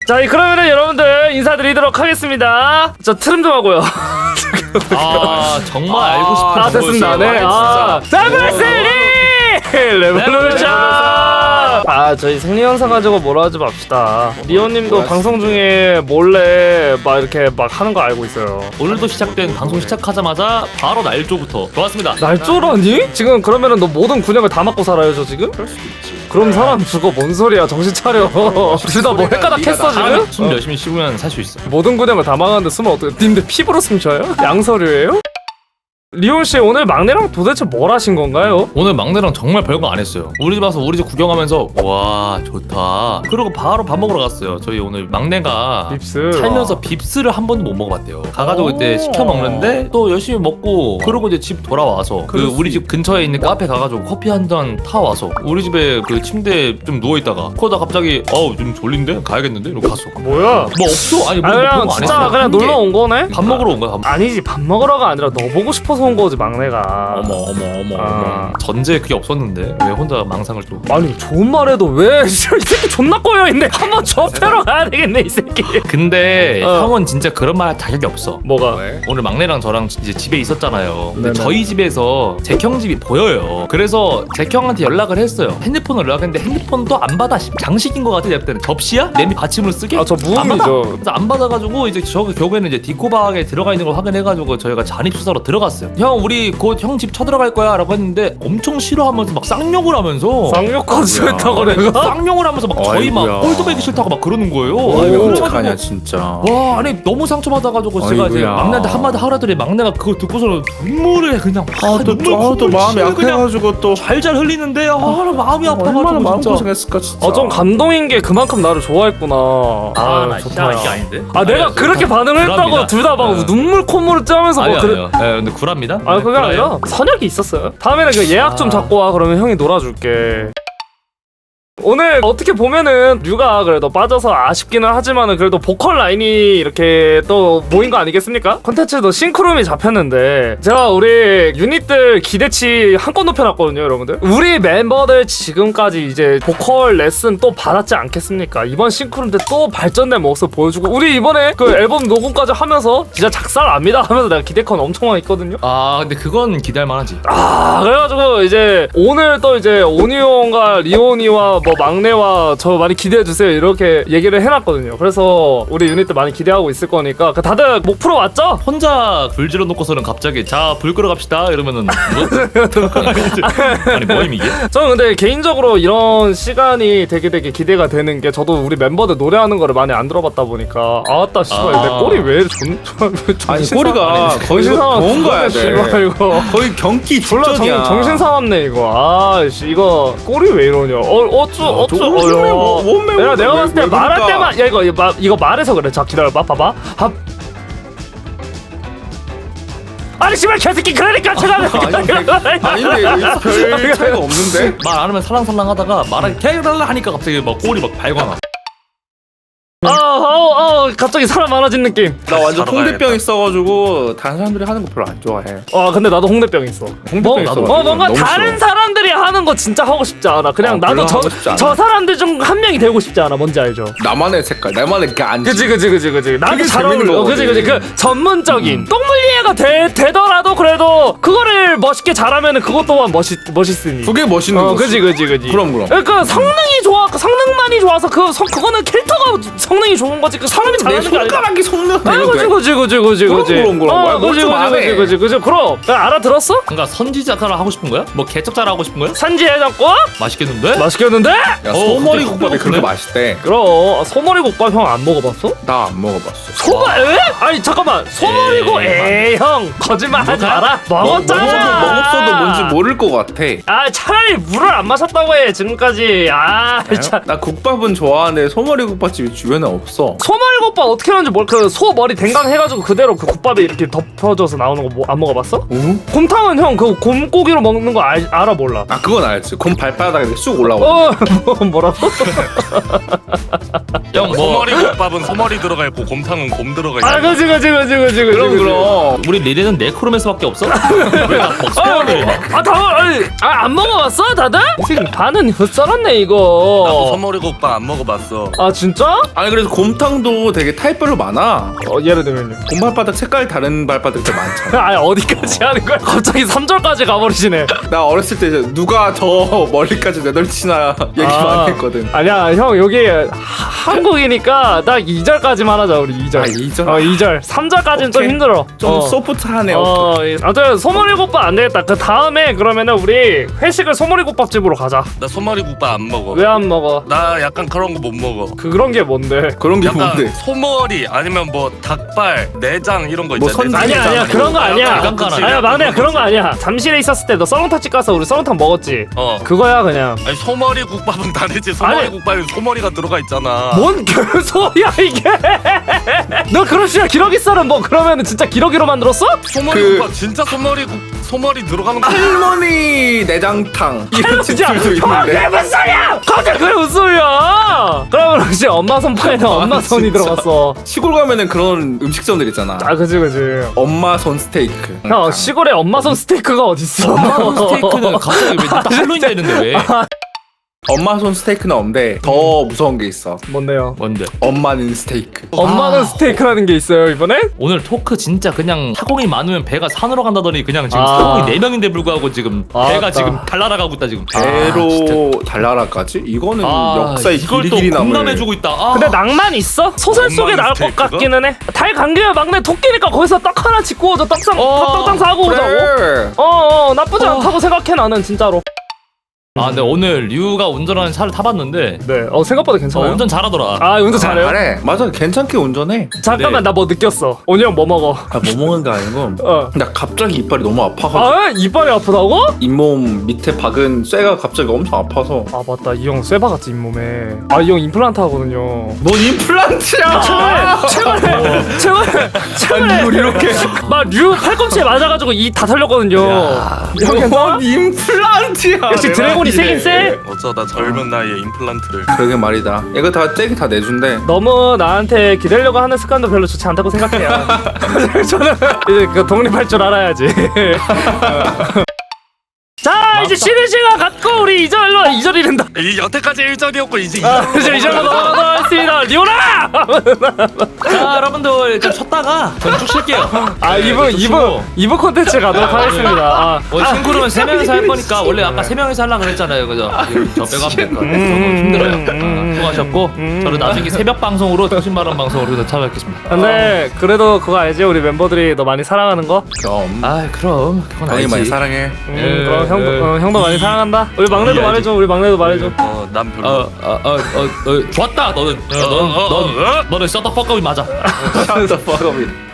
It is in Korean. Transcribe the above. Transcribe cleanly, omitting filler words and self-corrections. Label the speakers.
Speaker 1: 자, 그러면은 여러분들 인사드리도록 하겠습니다. 저 트름 좀 하고요.
Speaker 2: 정말 알고 싶은
Speaker 1: 됐습니다. 네. 더블3 레볼루션. 저희 생리현상 가지고 뭐라 하지 맙시다. 리오님도 방송 중에 몰래 막 이렇게 막 하는 거 알고 있어요.
Speaker 2: 오늘도 시작된 방송 시작하자마자 바로 날조부터 좋았습니다.
Speaker 1: 날조라니? 지금 그러면은 너 모든 군역을 다 맞고 살아요, 저 지금?
Speaker 3: 그럴 수도 있지.
Speaker 1: 그럼 사람 죽어. 뭔 소리야? 정신 차려. 둘 다 뭐 헷가닥 했어 지금?
Speaker 2: 숨 열심히 쉬면 살 수 있어.
Speaker 1: 모든 군역을 다 망하는데 숨을 어떻게? 님들 피부로 숨 쉬어요? 양서류예요? 리온씨 오늘 막내랑 도대체 뭘 하신 건가요?
Speaker 2: 오늘 막내랑 정말 별거 안 했어요. 우리 집 와서 우리 집 구경하면서 와 좋다. 그러고 바로 밥 먹으러 갔어요. 저희 오늘 막내가
Speaker 1: 빕스
Speaker 2: 살면서 빕스를 한 번도 못 먹어봤대요. 가가지고 그때 시켜 먹는데 또 열심히 먹고 그러고 이제 집 돌아와서 그 우리 집 근처에 있는 카페 가가지고 커피 한 잔 타와서 우리 집에 그 침대에 좀 누워있다가 그러다 갑자기 좀 졸린데? 가야겠는데? 이러고 갔어.
Speaker 1: 뭐야?
Speaker 2: 뭐 없어? 아니 뭐
Speaker 1: 그냥
Speaker 2: 별거 안
Speaker 1: 진짜
Speaker 2: 했어.
Speaker 1: 그냥 놀러 온 거네?
Speaker 2: 밥 먹으러 온 거야.
Speaker 1: 아니지, 밥 먹으러가 아니라 너 보고 싶어서 온 거지 막내가.
Speaker 2: 어머. 전제에 그게 없었는데 왜 혼자 망상을 또.
Speaker 1: 아니 좋은 말해도 왜 이 새끼 존나 꼬여있네. 한번 접해러 가야 되겠네 이 새끼.
Speaker 2: 근데 형은 진짜 그런 말 할 자격이 없어.
Speaker 1: 뭐가?
Speaker 2: 오늘 막내랑 저랑 이제 집에 있었잖아요. 근데
Speaker 1: 네네.
Speaker 2: 저희 집에서 잭형 집이 보여요. 그래서 잭형한테 연락을 했어요. 핸드폰을 연락했는데 핸드폰도 안 받아. 장식인 것 같아. 내가 때는 접시야? 냄비 받침으로 쓰게?
Speaker 1: 저
Speaker 2: 안 받아.
Speaker 1: 무음이죠.
Speaker 2: 그래서 안 받아가지고 이제 저 결국에는 이제 디코박에 들어가 있는 걸 확인해가지고 저희가 잔입 수사로 들어갔어요. 형 우리 곧 형 집 쳐들어갈 거야라고 했는데 엄청 싫어하면서 막 쌍욕을 하면서
Speaker 1: 쌍욕까지 했다고 내가?
Speaker 2: 쌍욕을 하면서 막 저희 막
Speaker 3: 아이고야.
Speaker 2: 꼴도 보기 싫다고 막 그러는 거예요.
Speaker 3: 왜
Speaker 2: 그래가지고
Speaker 3: 어떡하냐 진짜.
Speaker 2: 와 아니 너무 상처받아가지고 제가 이제
Speaker 3: 아이고야.
Speaker 2: 막내한테 한마디 하라더니 막내가 그거 듣고서는 눈물에 그냥
Speaker 3: 또 마음이 약해가지고 또
Speaker 2: 잘잘 흘리는데 나 마음이 아파가지고
Speaker 3: 얼마나
Speaker 2: 진짜.
Speaker 3: 마음고생했을까 진짜.
Speaker 1: 좀 감동인 게 그만큼 나를 좋아했구나.
Speaker 2: 나
Speaker 1: 좋다.
Speaker 2: 이게 아닌데?
Speaker 1: 내가
Speaker 2: 아니,
Speaker 1: 그렇게 반응을 했다고
Speaker 2: 구랍니다.
Speaker 1: 둘 다 막
Speaker 2: 네.
Speaker 1: 눈물 콧물을 짜면서
Speaker 2: 아니요
Speaker 1: 뭐 그래.
Speaker 2: 아니요 근데 구랍니다.
Speaker 1: 그게
Speaker 2: 구라예요.
Speaker 1: 아니라 선약이 있었어요. 다음에는 그 예약 좀 잡고 와. 그러면 형이 놀아줄게. 오늘 어떻게 보면은 류가 그래도 빠져서 아쉽기는 하지만은 그래도 보컬 라인이 이렇게 또 모인 거 아니겠습니까? 콘텐츠도 싱크룸이 잡혔는데 제가 우리 유닛들 기대치 한껏 높여놨거든요, 여러분들. 우리 멤버들 지금까지 이제 보컬 레슨 또 받았지 않겠습니까? 이번 싱크룸 때 또 발전된 모습 보여주고 우리 이번에 그 앨범 녹음까지 하면서 진짜 작살납니다 하면서 내가 기대컨 엄청 많이 있거든요.
Speaker 2: 근데 그건 기대할 만하지.
Speaker 1: 그래가지고 이제 오늘 또 이제 오니온과 리오니와 뭐 막내와 저 많이 기대해주세요 이렇게 얘기를 해놨거든요. 그래서 우리 유닛들 많이 기대하고 있을 거니까 다들 목 풀어 왔죠?
Speaker 2: 혼자 불 질러 놓고서는 갑자기 자 불 끄러 갑시다 이러면은 아니 뭐임 이게?
Speaker 1: 저는 근데 개인적으로 이런 시간이 되게 기대가 되는 게 저도 우리 멤버들 노래하는 거를 많이 안 들어봤다 보니까 아따 씨발 내 꼬리 왜
Speaker 3: 아니 꼬리가 거의 좋은 거야.
Speaker 1: 씨발 이거
Speaker 3: 거의 경기
Speaker 1: 졸라
Speaker 3: 직전이야.
Speaker 1: 정신 사납네 이거. 이거 꼬리 왜 이러냐. 내가 봤을 때 말할 때만 이거 말해서 그래. 자 기다려봐. 봐봐. 아니 씨발 개새끼 그러니까 제가
Speaker 3: 아닌데 별 차이가 없는데?
Speaker 2: 말 안 하면 살랑살랑하다가 말하기 개달라 하니까 갑자기 막 꼬리 막 발광.
Speaker 1: 갑자기 사람 많아진 느낌.
Speaker 3: 나 완전 홍대병 있어가지고 다른 사람들이 하는 거 별로 안 좋아해.
Speaker 1: 근데 나도 홍대병 있어.
Speaker 3: 홍대병 있어.
Speaker 1: 뭔가
Speaker 3: 너무
Speaker 1: 다른
Speaker 3: 싫어.
Speaker 1: 사람들이 하는 거 진짜 하고 싶지 않아. 그냥 나도
Speaker 3: 별로 하고 싶지 않아.
Speaker 1: 저 사람들 중 한 명이 되고 싶지 않아. 뭔지 알죠?
Speaker 3: 나만의 색깔, 나만의 간지.
Speaker 1: 그치. 나한테
Speaker 3: 그게
Speaker 1: 잘
Speaker 3: 재밌는
Speaker 1: 어울려.
Speaker 3: 거거든.
Speaker 1: 그치. 그 전문적인 똥물리에가 되더라도 그래도 그거를 멋있게 잘하면은 그것 또한 멋있으니.
Speaker 3: 그게 멋있는 거지.
Speaker 1: 그치.
Speaker 3: 그럼.
Speaker 1: 그러니까 성능이 좋아. 성능만이 좋아서 그거는 캐릭터가 성능이 좋은 거지. 그 사람이
Speaker 3: 내
Speaker 1: 잘하는 게 아니라.
Speaker 3: 손가락이 속는 거.
Speaker 1: 그치. 그럼. 알아들었어?
Speaker 2: 뭔가 선지자카라 하고 싶은 거야? 뭐 개척자라 하고 싶은 거야?
Speaker 1: 산지해장국?
Speaker 2: 맛있겠는데?
Speaker 1: 맛있겠는데?
Speaker 3: 야 소머리
Speaker 2: 그때
Speaker 3: 국밥이 그렇게
Speaker 2: 그래?
Speaker 3: 맛있대.
Speaker 1: 그럼 소머리 국밥 형 안 먹어봤어?
Speaker 3: 나 안 먹어봤어.
Speaker 1: 소머리? 아니 잠깐만 소머리고 형 거짓말하지 마라. 먹었잖아.
Speaker 3: 먹었어도 뭔지 모를 것 같아.
Speaker 1: 차라리 물을 안 마셨다고 해 지금까지. 참.
Speaker 3: 나 국밥은 좋아하는데 소머리 국밥집이 주변에 없어.
Speaker 1: 소머리 소머리국밥 어떻게 하는지 그 소 머리 댕강 해가지고 그대로 그 국밥에 이렇게 덮어져서 나오는 거 뭐 안 먹어봤어? 곰탕은 형 그 곰고기로 먹는 거 알아 몰라?
Speaker 3: 아 그건 알지. 곰 발바닥에 이렇게 쑥 올라오고.
Speaker 1: 뭐라고?
Speaker 2: 형 뭐
Speaker 4: 소머리국밥은 소머리 들어가 있고 곰탕은 곰 들어가 있고.
Speaker 1: 아 그지.
Speaker 3: 그럼.
Speaker 2: 우리 리레는 네크로맨스밖에 없어? 왜다 먹스페어를 해?
Speaker 1: 안 먹어봤어 다들? 지금 반은 썰었네
Speaker 4: 나도
Speaker 1: 이거.
Speaker 4: 소머리국밥 안 먹어봤어.
Speaker 1: 아 진짜?
Speaker 3: 아니 그래서 곰탕도 되게 타입별로 많아.
Speaker 1: 예를 들면요.
Speaker 3: 곰 발바닥 색깔 다른 발바닥도 많잖아.
Speaker 1: 아 어디까지 하는 거야? 갑자기 3절까지 가버리시네.
Speaker 3: 나 어렸을 때 이제 누가 더 멀리까지 내덜치나 얘기 많이 했거든.
Speaker 1: 아니야 형 여기 한국이니까 딱 2절까지만 하자 우리 2절.
Speaker 3: 아, 2절?
Speaker 1: 2절. 3절까지는 좀
Speaker 3: 오케이.
Speaker 1: 힘들어.
Speaker 3: 좀 소프트하네.
Speaker 1: 아무튼 소머리국밥 안 되겠다. 그 다음에 그러면은 우리 회식을 소머리국밥집으로 가자.
Speaker 4: 나 소머리국밥 안 먹어.
Speaker 1: 왜 안 먹어?
Speaker 4: 나 약간 그런 거 못 먹어.
Speaker 1: 그런 게 뭔데?
Speaker 3: 그런 게
Speaker 4: 약간
Speaker 3: 뭔데?
Speaker 4: 소머리 아니면 뭐 닭발, 내장 이런 거
Speaker 3: 뭐
Speaker 4: 있잖아.
Speaker 3: 선지
Speaker 4: 내장
Speaker 1: 아니야
Speaker 4: 있잖아.
Speaker 1: 그런 거 아니야.
Speaker 2: 깜깜하네.
Speaker 1: 아니야 막내야 그런 거 아니야. 잠실에 있었을 때 너 썰렁탕집 가서 우리 썰렁탕 먹었지. 그거야 그냥.
Speaker 4: 아니 소머리국밥은 다르지. 소머리국밥에 소머리가 들어가 있잖아.
Speaker 1: 뭔 개소리야 이게? 너 그런 식으로 기러기 썰은 뭐 그러면은 진짜 기러기로 만들었어?
Speaker 4: 소머리국밥 진짜 소머리 들어가는 거.
Speaker 3: 할머니 내장탕 이런
Speaker 1: 진짜
Speaker 3: 집들도 있는데.
Speaker 1: 그게 무슨 소리야? 갑자기 그게 무슨 소리야? 그러면 혹시 엄마 손파에는 엄마 손이
Speaker 3: 진짜.
Speaker 1: 들어갔어.
Speaker 3: 시골 가면은 그런 음식점들 있잖아.
Speaker 1: 아 그지.
Speaker 3: 엄마 손 스테이크.
Speaker 1: 형 시골에 엄마 손 스테이크가 어딨어?
Speaker 2: 엄마 스테이크는 갑자기 왜딱 할로윈 되는데 왜?
Speaker 3: 엄마 손 스테이크는 없는데 더 무서운 게 있어.
Speaker 1: 뭔데요?
Speaker 2: 뭔데?
Speaker 3: 엄마는 스테이크.
Speaker 1: 엄마는 스테이크라는 게 있어요 이번엔?
Speaker 2: 오늘 토크 진짜 그냥 타공이 많으면 배가 산으로 간다더니 그냥 지금
Speaker 1: 아.
Speaker 2: 타공이 4명인데 불구하고 지금 배가
Speaker 1: 맞다.
Speaker 2: 지금 달날아가고 있다 지금.
Speaker 3: 배로 달나라까지? 이거는 역사의
Speaker 2: 이걸 또
Speaker 3: 길이길이 남을.
Speaker 2: 공감해주고 있다.
Speaker 1: 근데 낭만 있어? 소설 속에
Speaker 4: 엄마는
Speaker 1: 나올 것
Speaker 4: 스테이크가?
Speaker 1: 같기는 해. 달 감기면 막내 토끼니까 거기서 떡 하나 짓고 오자. 떡상 사고 오자고.
Speaker 3: 그래.
Speaker 1: 나쁘지 않다고 생각해 나는 진짜로.
Speaker 2: 아 근데 오늘 류가 운전하는 차를 타봤는데
Speaker 1: 네. 생각보다 괜찮아요.
Speaker 2: 운전 잘하더라.
Speaker 1: 아 운전 잘해요?
Speaker 3: 잘해. 맞아, 괜찮게 운전해.
Speaker 1: 잠깐만
Speaker 2: 네.
Speaker 1: 나 뭐 느꼈어. 오니 형 뭐 먹어?
Speaker 3: 뭐 먹는 게 아니고 나 갑자기 이빨이 너무 아파가지고
Speaker 1: 이빨이 아프다고?
Speaker 3: 잇몸 밑에 박은 쇠가 갑자기 엄청 아파서.
Speaker 1: 아 맞다 이 형 쇠바같이 잇몸에. 이 형 임플란트 하거든요.
Speaker 3: 넌 임플란트야.
Speaker 1: 최근에
Speaker 3: 뭘 이렇게.
Speaker 1: 막 류 팔꿈치에 맞아가지고 이 다 털렸거든요. 형 괜찮아?
Speaker 3: 넌 임플란트야.
Speaker 1: 역시
Speaker 3: 내
Speaker 1: 드래곤이
Speaker 3: 말이네.
Speaker 1: 세긴 세?
Speaker 4: 어쩌다 젊은 나이에 임플란트를.
Speaker 3: 그러게 말이다. 이거 다 잭이 다 내준대.
Speaker 1: 너무 나한테 기대려고 하는 습관도 별로 좋지 않다고 생각해요. 저는 이제 그 독립할 줄 알아야지. 자 이제 쉬는 시간 갖고 우리 2절이란다.
Speaker 4: 이 여태까지 1절이었고 이제
Speaker 1: 이제 2절로 넘어가도록 하겠습니다. 리오나!
Speaker 2: 자 여러분들 좀 쉬었다가 전 쭉 쉴게요.
Speaker 1: 이브 콘텐츠 가도록 하겠습니다.
Speaker 2: 싱크로는 3명이서 할 거니까 원래 아까 3명이서 하려고 그랬잖아요. 그죠? 저 빼고 하면 될것 같아요. 너무 힘들어요. 수고하셨고 저는 나중에 새벽 방송으로 정신바람 방송으로 찾아뵙겠습니다.
Speaker 1: 근데 그래도 그거 알지? 우리 멤버들이 너 많이 사랑하는 거?
Speaker 3: 그럼.
Speaker 2: 아 그럼 그건
Speaker 3: 형이 많이
Speaker 2: 알지.
Speaker 3: 사랑해.
Speaker 1: 그럼 형도 많이 사랑한다. 우리 막내도
Speaker 2: 이해하지.
Speaker 1: 말해줘. 우리 막내도 말해줘.
Speaker 4: 난 별로.
Speaker 2: 좋았다. 너는 너는 셔터 퍽업이 맞아.
Speaker 3: Shut the fuck up.